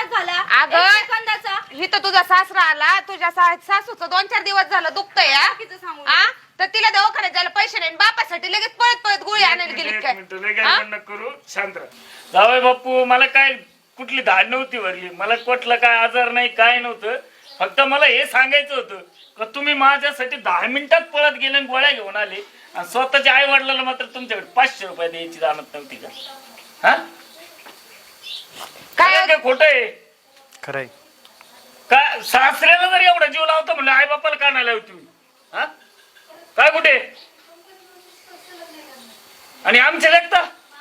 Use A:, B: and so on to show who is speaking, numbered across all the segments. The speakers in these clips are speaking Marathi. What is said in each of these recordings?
A: त्रास झाला
B: अगं,
A: एक सेकंदाचा.
B: इथं तुझा सासरा आला, तुझ्या सासूचं 2-4 दिवस झालं दुखतंय
A: बाकीचं सांगू
B: आ? तर तिला दवाखान्यात जायला पैसे नाही, बापासाठी लगेच पळत पळत गोळी आणायला गेली काय?
C: लय करू शांत राहा. जावई बापू, मला काय कुठली धाड नव्हती भरली, मला कुठला काय आजार नाही, काय नव्हतं. फक्त मला हे सांगायचं होतं का तुम्ही माझ्यासाठी 10 मिनिटात पळत गेले आणि गोळ्या घेऊन आले आणि स्वतःच्या आई वडिलांना मात्र तुमच्याकडे 500 रुपये द्यायची जाणत नव्हती का? हा काय काय खोट आहे?
D: खरंय.
C: काय सासऱ्याला जर एवढा जीव लावतो म्हणलं, आई बापाला का नाही लावती? हा काय कुठे आणि आमचे लेखता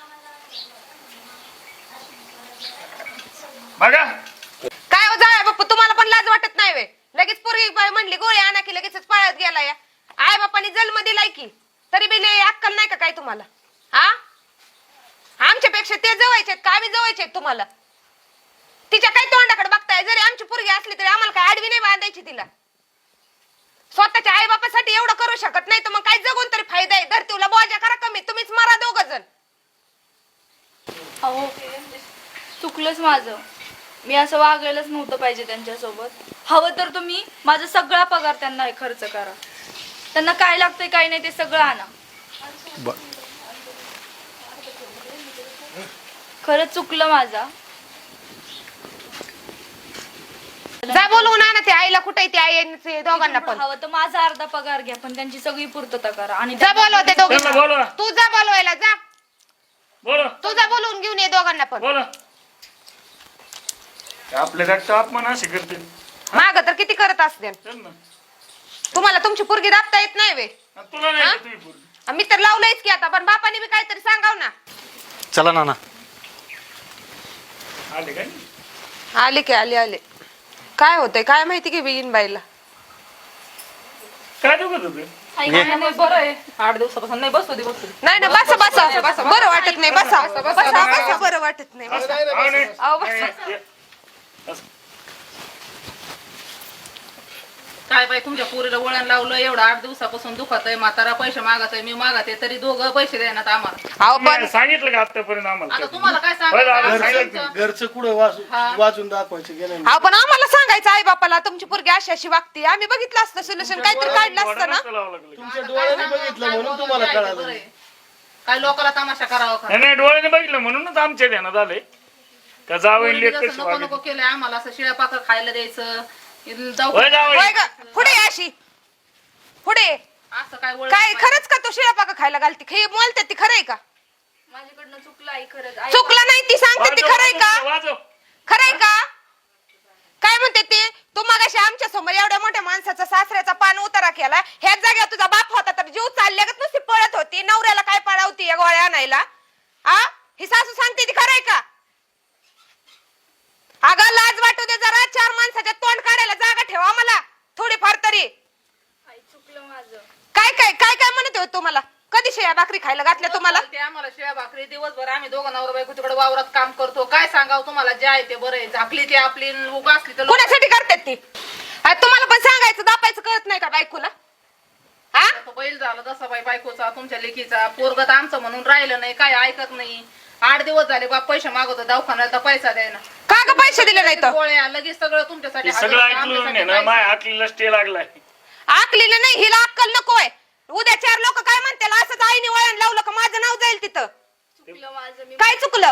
C: बघा.
B: काय हो जाय बाप्पा, तुम्हाला पण लाज वाटत नाही वे? लगेच पोरगी म्हणली गोळी आणा की लगेच पळत गेला या. आई बापानी जन्म दिलाय की तरी बी लय अक्कल नाही का काय तुम्हाला? हा आमच्यापेक्षा ते जवळचे का आम्ही जवळचे तुम्हाला? तिच्या काय तोंडाकडे बघताय? जरी आमची पोरगी असली तरी आम्हाला काय आडवी नाही बांधायची तिला. स्वतःच्या आई बापासाठी एवढं करू शकत नाही तर मग काय जगून तरी फायदा आहे? धरतीला बोजा करा कमी, तुम्हीच मारा 2 जण.
A: अहो चुकलंच माझं, मी असं वागायलाच नव्हतं पाहिजे त्यांच्यासोबत. हवं तर तुम्ही माझा सगळा पगार त्यांना खर्च करा, त्यांना काय लागतंय काय नाही ते सगळं आणा. खरंच चुकलं माझा.
B: जा बोलवून आणा ते आईला. कुठे ते आई दोघांना पण?
A: हवं तर माझा अर्धा पगार घ्या, पण त्यांची सगळी पूर्तता करा. आणि
B: जा बोलव ते दोघांना.
C: बोलवा
B: तू जा बोलवायला जा.
C: बोला
B: तू जा बोलवून घेऊन ये दोघांना पण.
C: बोला. आपल्या रक्त अपमान असे करते
B: माग तर किती करत असते. तुम्हाला तुमची पोरगी दाबता येत नाही वे?
C: तुला नाही का तुझी पोरगी?
B: मी तर लावलंयच की आता, पण बापाने बी काहीतरी सांगाव ना.
D: चला नाना.
C: आले काय?
B: आले की आले. काय होतंय काय माहिती की बिन बाईला.
C: काय दुखत होतं?
E: बरं आहे, 8 दिवसापासून नाही. बसू दे.
B: नाही ना, बसा बरं वाटत नाही. बसा बरं वाटत नाही. बसा. अहो, बसा.
E: काय बाई, तुमच्या पोरीला वळण लावलं, एवढं 8 दिवसापासून दुखत आहे. म्हातारा पैसे मागत आहे, मी मागत आहे, तरी दोघं पैसे देण्यात आम्हाला.
B: अहो पण
C: सांगितलं का आतापर्यंत आम्हाला?
E: आता तुम्हाला काय
C: बरं,
E: सांगायचं?
F: घरचं कुठं वाचून दाखवायचं गेलं
B: अहो पण आम्हाला सांगायचं आई बापाला तुमची पोरगी अशी अशी वागते. आम्ही बघितलं असतं सोल्युशन, काहीतरी काढलं असतं ना.
F: तुमच्या डोळ्याने बघितलं म्हणून तुम्हाला कळालं.
E: काय लोकांना तमाशा करावा का?
C: नाही, डोळ्याने बघितलं म्हणूनच आमच्या ध्यानात आले का जावं
E: पोरीने जसं नको नको केलंय आम्हाला, असं शिळ्या पाकर खायला द्यायचं.
B: होय ग, पुढे ये अशी पुढे.
E: असं काय वळण
B: काय खरंच का तू शिळा पाका खायला घालते? हे बोलते ती खरंय का?
A: माझ्याकडनं चुकलं आई, खरंच.
B: चुकलं नाही ती सांगते ती खरंय का? खरंय का? काय म्हणते ते? तू मगाशी आमच्या समोर एवढ्या मोठ्या माणसाचा सासऱ्याचा पान उतारा केला. ह्याच जागेवर तुझा बाप होता तर जीव चालल्यागत नुसती पळत होती. नवऱ्याला काय पळावती या गोळ्या आणायला? आ ही सासू सांगते ती खरंय का? अगं लाज वाटू दे जरा. 4 माणसाच्या तोंड काढायला जागा ठेवा मला थोडीफार तरी.
A: आई चुकलं माझं.
B: काय काय काय काय म्हणत होते तुम्हाला? कधी शेया भाकरी खायला घातल्या तुम्हाला?
E: ते आम्हाला शिळ्या भाकरी दिवसभर आम्ही दोघं नवरा बायको तिकडे वावरात काम करतो. काय सांगावं तुम्हाला, जे आहे ते बरं आहे. झाकली ती आपली, उगा असली तर
B: कोणासाठी करतात ती? तुम्हाला पण सांगायचं दापायचं कळत नाही का बायकोला? हा
E: बैल झाला तसा बाई बायकोचा, तुमच्या लेकीचा. पोरगत आमचं म्हणून राहिलं नाही, काय ऐकत नाही. 8 दिवस झाले बाप पैसे मागवतो दवाखान्यात, तर पैसा द्यायना.
B: का ग पैसे दिले नाही तर?
E: गोळ्या लगेच सगळं तुमच्यासाठी
C: सगळं
E: हजर,
C: ऐकलं
E: आमच्यासाठी
C: ना, माझ्या
E: पैसा.
C: आकलीला स्टे लागलाय.
B: आकलीला नाही, हिला अक्कल नकोय. उद्या 4 लोक काय म्हणतील? असंच आईने वळण लावलं का माझं नाव जाईल तिथं.
A: चुकलं माझं. मी
B: काय चुकलं?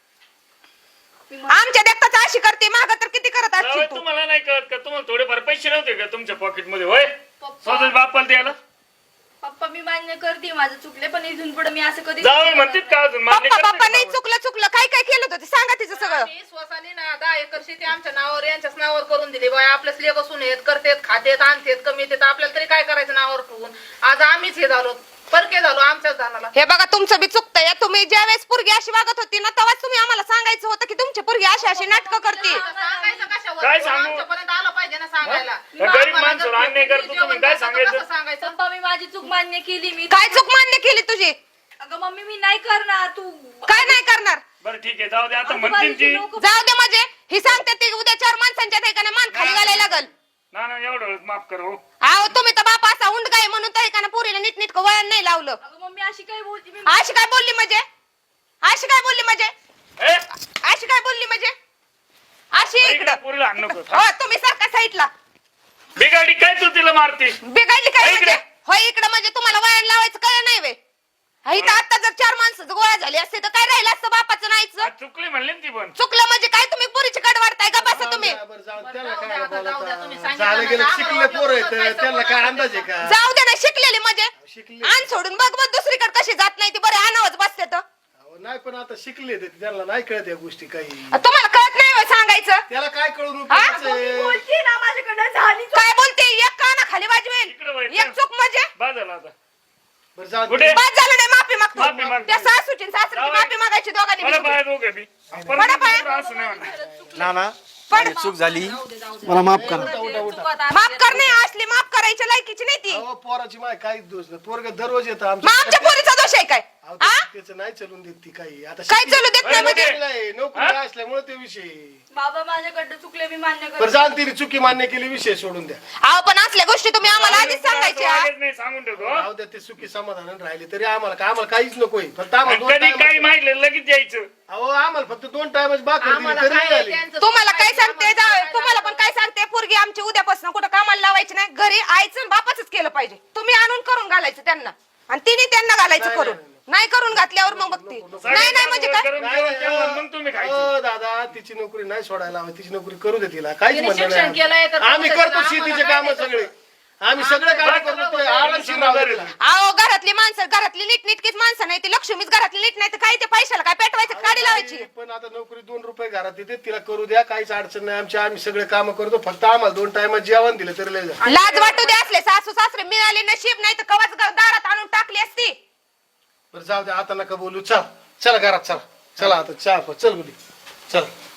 B: आमच्या देखताच अशी करते, माग तर किती करत
C: जावई,
B: असशील तू.
C: तुम्हाला नाही कळत का? तुम्हाला थोडेफार पैसे नव्हते का तुमच्या पॉकेट मध्ये? होय,
A: पप्पा
C: स्वतः बापाला द्यायला.
A: पप्पा मी मान्य करते माझं चुकले, पण इथून पुढे मी असं कधी
C: जावई म्हणतात का अजून? मान्य
B: पप्पा
C: करते
B: पप्पा
C: का
B: नाही
C: जावई?
B: चुकलं काय काय केलं होतं ते सांगा तिचं सगळं.
E: आम्ही स्वसानी ना 10 एकर शेती आमच्या नावावर, यांच्याच नावावर करून दिली. बाय आपल्याच लेख असून येत करतेत, खातेत, आणतेत, कमी येतात. आपल्याला तरी काय करायचं नावावर ठेवून? आज आम्हीच हे झालो, परके झालो आमच्याच दानाला.
B: हे बघा तुमचं बी चुकतंय. तुम्ही ज्या वेळेस पोरगी अशी वागत होती ना, तेव्हाच तुम्ही आम्हाला सांगायचं होतं की तुमची पोरगी अशी अशी नाटकं करते.
E: सांगायचं कशावर?
C: काय सांगू?
E: आमच्यापर्यंत आलं पाहिजे ना सांगायला.
C: त्या गरीब माणसाला अन्याय करतो तुम्ही, काय सांगायचं?
E: कसं सांगायचं?
A: पप्पा मी माझी चूक मान्य केली. मी
B: काय चूक मान्य केली तुझी?
A: अगं मम्मी मी नाही करणार. तू
B: काय नाही करणार?
C: बरं ठीक आहे, जाऊ दे. आता म्हणतील ती
B: जाऊ दे म्हणजे ही सांगते ती उद्या 4 माणसांच्या ठिकाणी मान खाली घालायला लागल.
C: ना एवढं माफ कर हो.
B: अहो तुम्ही तर बाप असा उंड काय म्हणून त्या ठिकाणी पोरीला नीट वळण नाही लावलं.
A: अगं मम्मी अशी काय बोलती? मी
B: अशी काय बोलली म्हणजे? अशी काय बोलली म्हणजे?
C: ए?
B: अशी काय बोलली म्हणजे? अशी इकडं
C: पोरीला हाण नको
B: हो तुम्ही सारखा साईडला
C: बिगाडी काय तू तिला मारते
B: बिघडली काय
C: हो इकडे.
B: म्हणजे होय इकडं म्हणजे तुम्हाला वायर लावायचं काय नाही वे इथं आता जर 4 माणसं गोळा झाली असते तर काय राहिलं असतं बापाचं नाहीच
C: आज चुकली म्हणली ना ती पण
B: चुकलं म्हणजे काय तुम्ही पुरीची कड वाढताय का बसा तुम्ही
F: बरं, जाऊ दे, त्याला
E: जाऊ
F: काय
E: द्या, जाऊ द्या, तुम्ही
F: बोलायचं
E: सांगितलं
F: झालं
E: ना,
F: गेलं
E: आम्हाला
F: शिकले
E: वाटलं
F: पोरं
E: तुमचं
F: आहेत
E: काय
F: त्यांना काय
E: संबंध
F: अंदाज आहे का
B: जाऊ दे ना शिकलेली म्हणजे
F: शिकले
B: आण सोडून बघ बघ दुसरीकडे कशी जात नाही ती बरं आणावच बसते तर
F: अहो, नाही पण आता शिकले ते त्यांना नाही कळत या गोष्टी काही
B: तुम्हाला कळत नाही होय सांगायचं
F: त्याला काय कळून
B: हा?
F: उपयोगाचं आहे?
A: बोलती ना माझ्याकडनं झाली
B: काय बोलते एक काना खाली वाजवेल
C: इकडं वळ,
B: एक चूक म्हणजे
C: बाद झाला आता
F: बरं, जाऊ दे.
C: कुठे?
B: बाद झालं नाही माफी
C: माफी
B: मागतो
C: माग.
B: त्या सासूची आणि सासरीची
C: जाऊ.
B: माफी मागायची दोघांनी
C: मला
B: मिळून.
C: बाहेर दोघे बी
B: पडा पाय.
C: असं नाही म्हणणार
D: नाना
B: पण
D: माझी चूक झाली मला माफ करा
B: माफ करणे असली माफ करायच्या लायकीची नाही ती
F: अहो, पोराची माय काहीच दोष नाही पोरग दररोज येतं
B: मग आमच्या पोरीचा दोष आहे काय
F: अहो,
B: हा
F: त्याचं नाही चलून देत ती काही आता
B: काय
F: शिकली-
B: चालू देत नाही म्हणजे
C: म्हणजे?
F: नाही, नोकरी असल्यामुळे ते विषय
A: बाबा माझ्याकडनं चुकले मी मान्य
F: बरं
A: करते
F: जाण तिने चुकी मान्य केली विषय सोडून द्या
B: अहो पण असल्या गोष्टी तुम्ही आम्हाला आधीच सांगायच्या
C: वागत नाही सांगून ठेवतो
F: राहू द्या ते चुकी समाधान राहिले तरी आम्हाला काहीच नकोय फक्त आम्हाला
C: आणि
F: दोन
C: कधी
F: time-
C: काही माहिती लगेच यायचं
F: अहो आम्हाला फक्त 2 टाइमच बाकी
E: आम्हाला
F: तरी
E: काय
F: झाली
E: त्यांचं
B: तुम्हाला काय
E: माहिती,
B: सांगते
E: आम्हाला
B: जाऊ
E: काय
B: तुम्हाला पण
E: सांगते.
B: काय सांगते पोरगी आमची उद्यापासून कुठं कामाला लावायची नाही घरी आईचं आणि बापाचंच केलं पाहिजे तुम्ही आणून करून घालायचं त्यांना आणि तिने त्यांना घालायचं
F: नाही,
B: करून
F: नाही,
B: नाही करून घातल्यावर मग बघते नाही नाही म्हणजे काय
C: गरम जेवण केलं मग तुम्ही खायचं
F: अहो, दादा तिची नोकरी नाही सोडायला हवी तिची नोकरी करू दे तिला काहीच
E: तिने
F: म्हणणं
E: शिक्षण केलंय तर
F: नाही आम्ही
E: करू दे
F: करतो
E: तिला,
F: शेतीचे
E: आम्हाला
F: काम
E: काय
F: सगळे
E: नाही
F: आम्ही सगळे काम करतो ते आरामशीर राहू दे तिला.
B: अहो घरातली माणसं घरातली नीटनीटकीच माणसं नाही ती लक्ष्मीच घरातली नीट नाही तर काय ते पैशाला काय पेटवायचं काढी लावायची
F: पण आता नोकरी 2 रुपये घरात येते तिला करू द्या काहीच अडचण नाही आम्ही सगळे काम करतो फक्त आम्हाला 2 टाइमात जेवण दिलं तरी लय झालं.
B: लाज वाटू दे असले सासू सासरे मिळाले नशीब नाही तर कवाच दारात आणून टाकली असती
F: बरं जाऊ दे आता नका बोलू चला घरात चला आता चहा चल गुडी चल